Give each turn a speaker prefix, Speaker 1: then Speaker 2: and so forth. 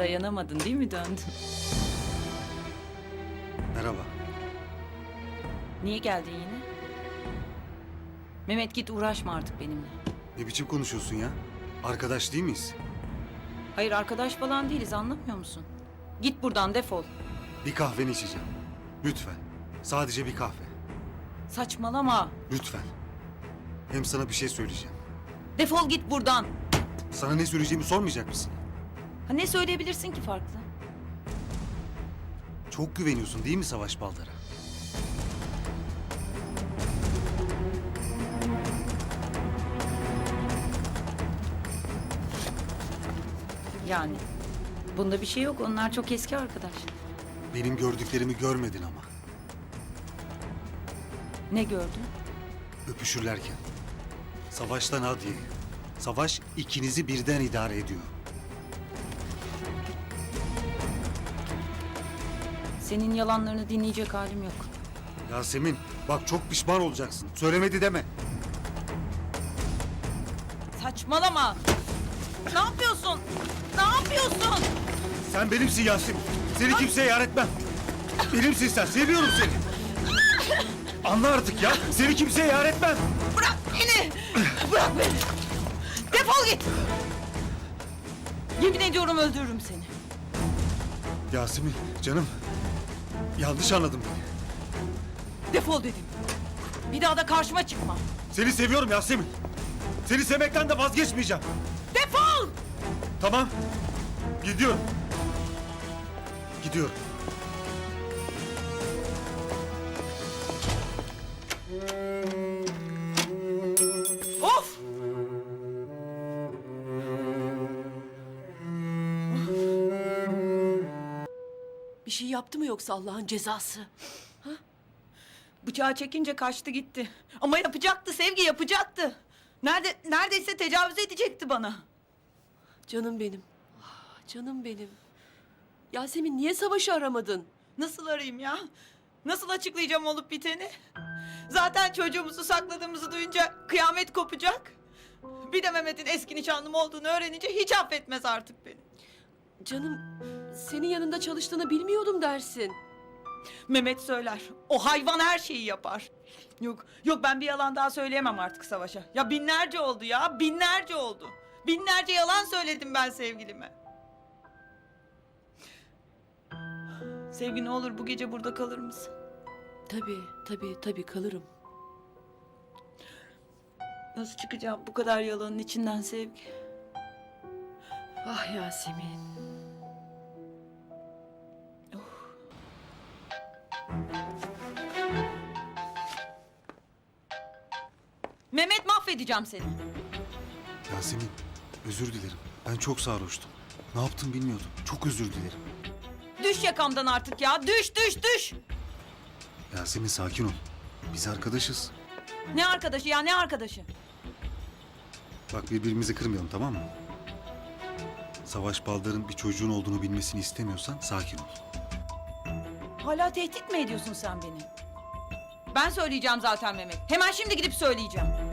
Speaker 1: Dayanamadın değil mi, döndün?
Speaker 2: Merhaba.
Speaker 1: Niye geldin yine? Mehmet git, uğraşma artık benimle.
Speaker 2: Ne biçim konuşuyorsun ya? Arkadaş değil miyiz?
Speaker 1: Hayır, arkadaş falan değiliz, anlamıyor musun? Git buradan, defol.
Speaker 2: Bir kahveni içeceğim. Lütfen. Sadece bir kahve.
Speaker 1: Saçmalama.
Speaker 2: Lütfen. Hem sana bir şey söyleyeceğim.
Speaker 1: Defol git buradan.
Speaker 2: Sana ne söyleyeceğimi sormayacak mısın?
Speaker 1: Ha, ne söyleyebilirsin ki farklı?
Speaker 2: Çok güveniyorsun değil mi Savaş Baldar'a?
Speaker 1: Yani bunda bir şey yok, onlar çok eski arkadaş.
Speaker 2: Benim gördüklerimi görmedin ama.
Speaker 1: Ne gördün?
Speaker 2: Öpüşürlerken. Savaş'tan Hadiye. Savaş ikinizi birden idare ediyor.
Speaker 1: Senin yalanlarını dinleyecek halim yok.
Speaker 2: Yasemin bak çok pişman olacaksın. Söylemedi deme.
Speaker 1: Saçmalama. Ne yapıyorsun? Ne yapıyorsun?
Speaker 2: Sen benimsin Yasemin. Seni kimseye yar etmem. Benimsin sen. Seviyorum seni. Anla artık ya. Seni kimseye yar etmem.
Speaker 1: Bırak beni! Bırak beni! Defol git! Yemin ediyorum öldürürüm seni.
Speaker 2: Yasemin canım. Yanlış anladın beni.
Speaker 1: Defol dedim. Bir daha da karşıma çıkma.
Speaker 2: Seni seviyorum Yasemin. Seni sevmekten de vazgeçmeyeceğim.
Speaker 1: Defol!
Speaker 2: Tamam. Gidiyorum. Gidiyorum.
Speaker 1: Of!
Speaker 3: Bir şey yaptı mı yoksa Allah'ın cezası?
Speaker 1: Bıçağı çekince kaçtı gitti. Ama yapacaktı Sevgi, yapacaktı. Neredeyse tecavüz edecekti bana.
Speaker 3: Canım benim. Ah, canım benim. Yasemin niye Savaş'ı aramadın?
Speaker 1: Nasıl arayayım ya? Nasıl açıklayacağım olup biteni? Zaten çocuğumuzu sakladığımızı duyunca kıyamet kopacak. Bir de Mehmet'in eski nişanlım olduğunu öğrenince hiç affetmez artık beni.
Speaker 3: Canım senin yanında çalıştığını bilmiyordum dersin.
Speaker 1: Mehmet söyler. O hayvan her şeyi yapar. Yok ben bir yalan daha söyleyemem artık Savaş'a. Ya binlerce oldu ya, binlerce oldu. Binlerce yalan söyledim ben sevgilime. Sevgi ne olur bu gece burada kalır mısın?
Speaker 3: Tabii kalırım.
Speaker 1: Nasıl çıkacağım bu kadar yalanın içinden Sevgi?
Speaker 3: Ah Yasemin.
Speaker 1: Mehmet, mahvedeceğim seni.
Speaker 2: Yasemin özür dilerim. Ben çok sarhoştum. Ne yaptım bilmiyordum. Çok özür dilerim.
Speaker 1: Düş yakamdan artık ya, düş!
Speaker 2: Yasemin sakin ol. Biz arkadaşız.
Speaker 1: Ne arkadaşı ya, ne arkadaşı?
Speaker 2: Bak birbirimizi kırmayalım tamam mı? Savaş Baldar'ın bir çocuğun olduğunu bilmesini istemiyorsan sakin ol.
Speaker 1: Hala tehdit mi ediyorsun sen beni? Ben söyleyeceğim zaten Mehmet. Hemen şimdi gidip söyleyeceğim.